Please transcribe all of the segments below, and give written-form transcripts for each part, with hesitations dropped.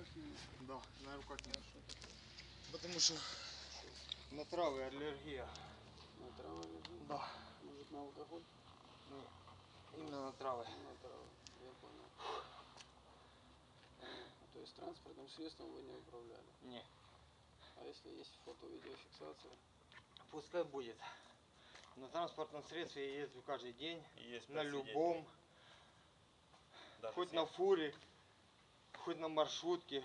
Да, на руках нет. Потому что на травы аллергия. На травы аллергия? Да. Может на алкоголь? Нет, именно на травы. На травы, я понял. Понятно. То есть транспортным средством вы не управляли? Нет. А если есть фото-видеофиксация? Пускай будет. На транспортном средстве я езжу каждый день. Есть на любом. Хоть на фуре, хоть на маршрутке.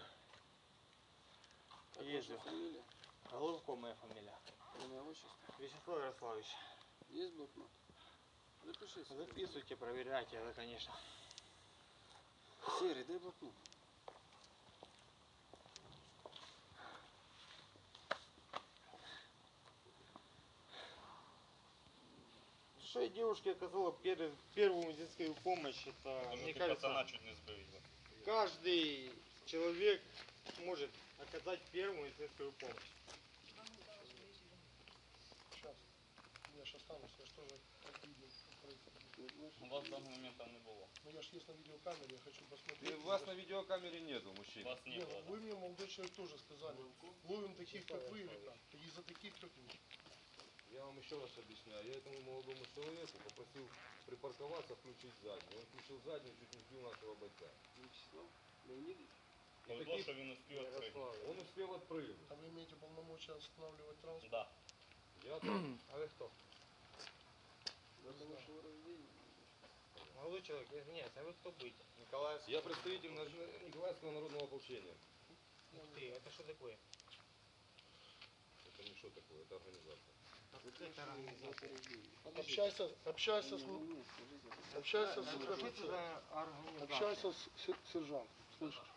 Как езжу. ваша фамилия? Головко моя фамилия. Имя, отчество? Вячеслав Ярославович. Есть блокнот? Запишите. Записывайте, проверяйте, это конечно. Серый, дай блокнот. Что я девушке оказала первую медицинскую помощь, это, мне кажется, чуть не сбили. каждый человек может оказать первую медицинскую помощь. Сейчас. Я ж останусь, я ж тоже как видео. У вас в данный момент там не было. Ну я ж есть на видеокамере, я хочу посмотреть. Вас на видеокамере нету, мужчина. Вас не Не, было. ну вы мне, молодой человек, тоже сказали. Ловим таких, как вы, или как? И за таких, как вы. Я вам еще раз объясняю. Я этому молодому человеку попросил припарковаться, включить заднюю. Он включил заднюю, чуть не сбил нашего бойца. Вячеслав Леонидович? Повезло, что він успів відкрити. Он успел отпрыгнуть. А вы имеете полномочия останавливать транспорт? Да. Я там. А вы кто? Дата вашего рождения? Молодой человек, извиняюсь, а вы кто будете? Николаевский? Я представитель Николаевского народного ополчения. Ух ты, это что такое? Это не что такое, это организация. Это организация. Общайся с... Нет, скажите. Общайся с... Что это за организация? Общайся с сержантом. Слышишь?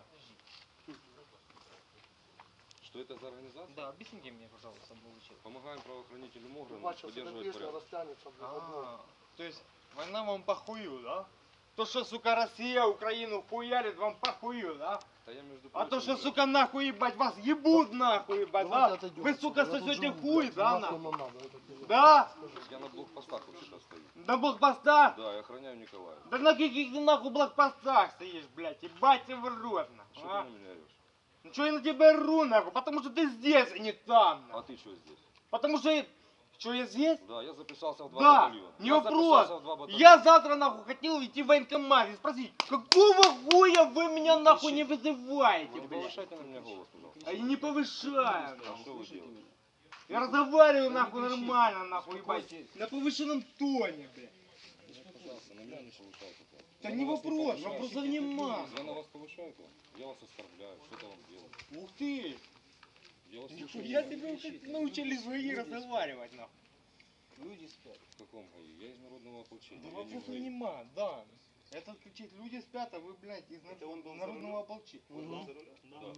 Что это за организация? Да, объясните мне, пожалуйста, молодой человек. Помогаем правоохранительным органам Бачу, эта поддерживать песня порядок. растянется в одной. То есть война вам похую, да? То, что, сука, Россия Украину хуярит, вам похую, да? Да я, между А то, прочим, что, сука, нахуй ебать, вас ебут нахуй ебать, да? Давайте отойдем Вы, отсюда, сука, я тут сосете живу, хуй, блядь, да, нахуй нахуй? нам надо, это пиздец. Да? я на блокпостах вообще-то стою. На блокпостах? Да, я охраняю Николая. Да на каких ты нахуй блокпостах стоишь, блядь, ебать ты в рот, Что нахуй, а? ты на меня орешь? Ну что я на тебя ру, нахуй, потому что ты здесь, а не там, А нахуй. ты что здесь? Потому что, что я здесь? Да, я записался в 2 Да, батальона. не Я вопрос. записался в 2 батальона. Я завтра нахуй хотел идти в военкомат и спросить, какого хуя вы меня нахуй не вызываете, Вы не блядь? повышайте на меня голос, пожалуйста. А я не повышаю, А нахуй. что вы делаете? Я разговариваю нахуй нормально, нахуй, ебать. На повышенном тоне, блядь. Пожалуйста, на меня не повышайте. Да не вопрос, вопросов нема. Я на вас повышаю, то я вас оскорбляю, что-то вам делаю. Ух ты. Я вас слушаю. Я тебя уже научили свои разговаривать, нахуй. Люди спят. В каком ГАИ? Я из народного ополчения. Да я не в вопросов ГАИ. нема, да. Этот кричит, люди спят, а вы, блядь, из народного ополчения. Да.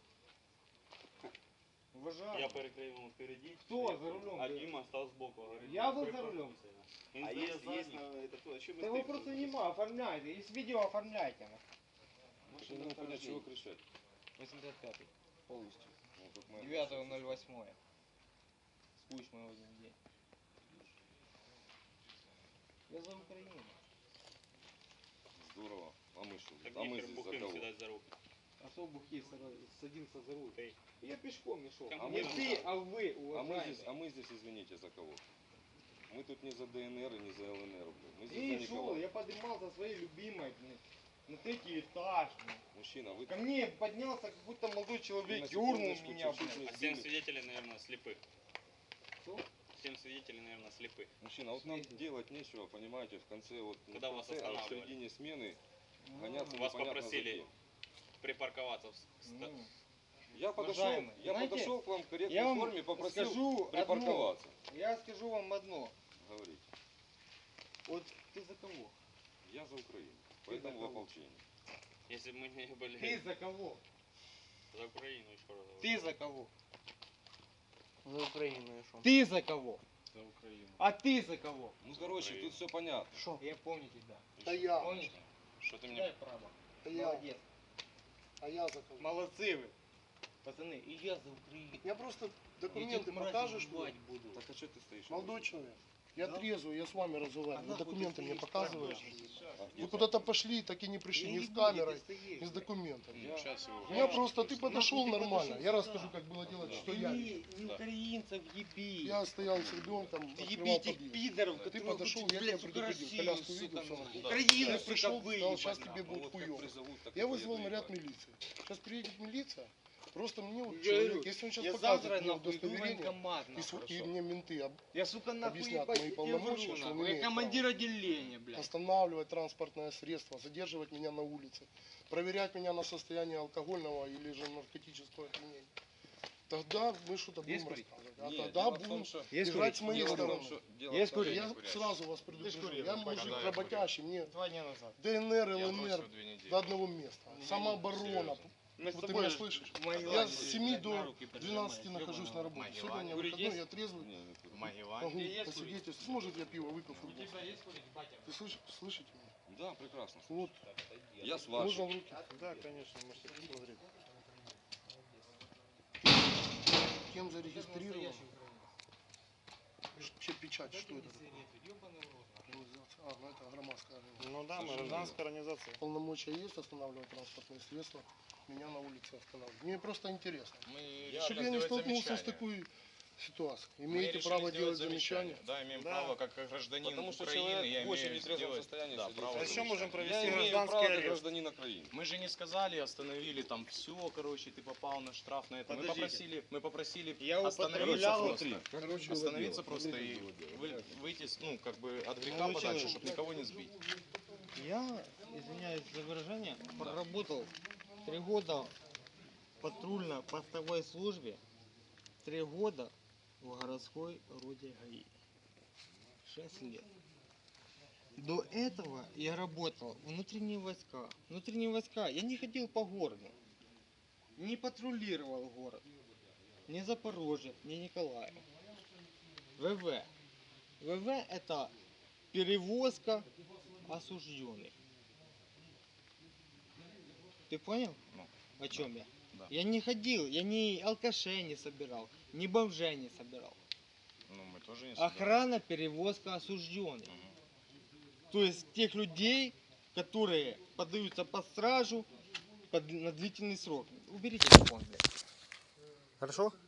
Уважаю. Я перекрив йому впереді. Кто за рулем? А Діма став збоку. Говорить, Я был за рулем. Він А здає есть задній. это кто? А что Да вопросов нема, оформляйте. Есть видео, оформляйте. нахуй. Я не могу понять, чего кричать. 85-й. Полностью. Ну, как моя 9.08. Спусть мой один день. Я за Украину. Здорово. А мы что? Так А мы нехер здесь за бухим кого? сідати за руки. Особо садился за руль. Эй. Я пешком не шел. А А мы мы ты, а вы, А уважаемые. мы здесь, извините, за кого? Мы тут не за ДНР и не за ЛНР. Блин. Мы здесь И за шел, Николая. я поднимался своей любимой, блин, на третий этаж. Блин. Мужчина, вы... Ко мне поднялся какой-то молодой человек, на дернул секундочку меня, чуть-чуть блин. не А 7 сбили. свидетелей, наверное, слепых. Кто? 7 свидетелей, наверное, слепых. Мужчина, вот нам Смейтесь. делать нечего, понимаете, в конце вот... не Когда в вас конце, а в останавливали? середине смены гоняться Вас непонятно попросили за кем. припарковаться в Ну, Я подошел, Уважаемый, знаете, подошел к вам в корректной я вам форме, попросил скажу припарковаться. я скажу вам одно. Говорите. Вот ты за кого? Я за Украину, Ты поэтому за в кого? ополчении. Если бы мы не были Ты за кого? за Украину, еще раз говорю. Ты за кого? За Украину и шо? Ты за кого? За Украину. А ты за кого? Ну, короче, тут все понятно. Шо? Я помню тебя. Да я. Помните? Что ты мне... Дай право. Да я. Молодец. А я за кого? Молодцы вы. Пацаны, и я за Украину. Я просто Этих документы мразей покажешь убивать мне? буду. Так а что ты стоишь? Молодой человек. Я трезвый, я с вами разговариваю. Вы документы мне показываете? Вы куда-то пошли, так и не пришли, ни с камерой, ни с документами. Сейчас его. Я просто, ты подошел нормально. Я расскажу, как было делать, что я видел. Не украинцев еби. Я стоял с ребенком, открывал Ебите подъезд. пидоров, Ты которые подошел, хотите, я блядь, тебя сука, предупредил, Россию, коляску сука, видел, всё нахуй. нахуй. Украину, Я сука, пришел, вы, сказал, ебать, сейчас нахуй. тебе будет Вот как хуёво. призовут, так Я и вызвал поеду наряд ебать. милиции. Сейчас приедет милиция. Просто мне вот Я человек, говорю, если он сейчас я завтра показывает мне нахуй иду в удостоверение, военкомат, и, нахуй. и мне менты Я, сука, нахуй, объяснят ебать, мои я полномочия, вру, что он нахуй. Я имеет командир отделения, блядь. останавливать транспортное средство, задерживать меня на улице, проверять меня на состояние алкогольного или же наркотического опьянения. Тогда мы что-то будем курить? рассказывать. А Нет, тогда дело в том, будем что- играть с моей дело в том, стороны. что- дело Есть в том, курить? Я что- сразу вас предупрежу. курил, Я ну, мужик когда я работящий, мне 2 дня назад. ДНР, Я ЛНР бросил 2 недели. до одного места. Самооборона. Серьезно. Мы с Вот ты тобой меня же слышишь? в Магеллане Я с здесь, 7 блядь, до на руки 12 прижимаешь, нахожусь на работе. Магеллане. Сегодня Курить выходной, есть? я трезвый. Не, не курю. Могу есть посвидетельствовать. Может, я пиво выпил футбол. есть курить, батя? Ты слышите меня? Да, прекрасно. Вот, Я с можно вашим. в руки. Да, конечно, можете посмотреть. Кем зарегистрирован? Вообще печать, что это такое? Организация. А, ну это громадская организация. Ну да, мы гражданская организация. Полномочия есть останавливать транспортные средства, меня на улице останавливают. Мне просто интересно. Мы Чтобы я не столкнулся с такой ситуацией. Имеете право делать замечания. Да, имеем Да. право, как гражданин Потому что Украины, человек я в имею очень нетрезвом сделать, состоянии да, сидит. право А еще замечания. можем Я провести имею гражданский право как арест. гражданин Украины. Мы же не сказали, остановили там все, короче, ты попал на штраф на это. Мы попросили Я остановиться употреблял просто. Остановиться просто и выйти, ну, как бы от греха Молодой подальше, человек. чтобы никого не сбить. Я, извиняюсь за выражение, проработал 3 года в патрульно-постовой службе, 3 года в городской роте ГАИ. 6 лет. До этого я работал в внутренние войска. Внутренние войска. Я не ходил по городу. Не патрулировал город. Ни Запорожье, ни Николаев. ВВ. ВВ это перевозка осужденных. Ты понял? Ну, о чем я? да. Я не ходил, я ни алкашей не собирал, ни бомжей не собирал. Ну, мы тоже не собираем. Охрана, перевозка осужденных. То есть тех людей, которые поддаются под стражу на длительный срок. Уберите телефон, блядь. Хорошо?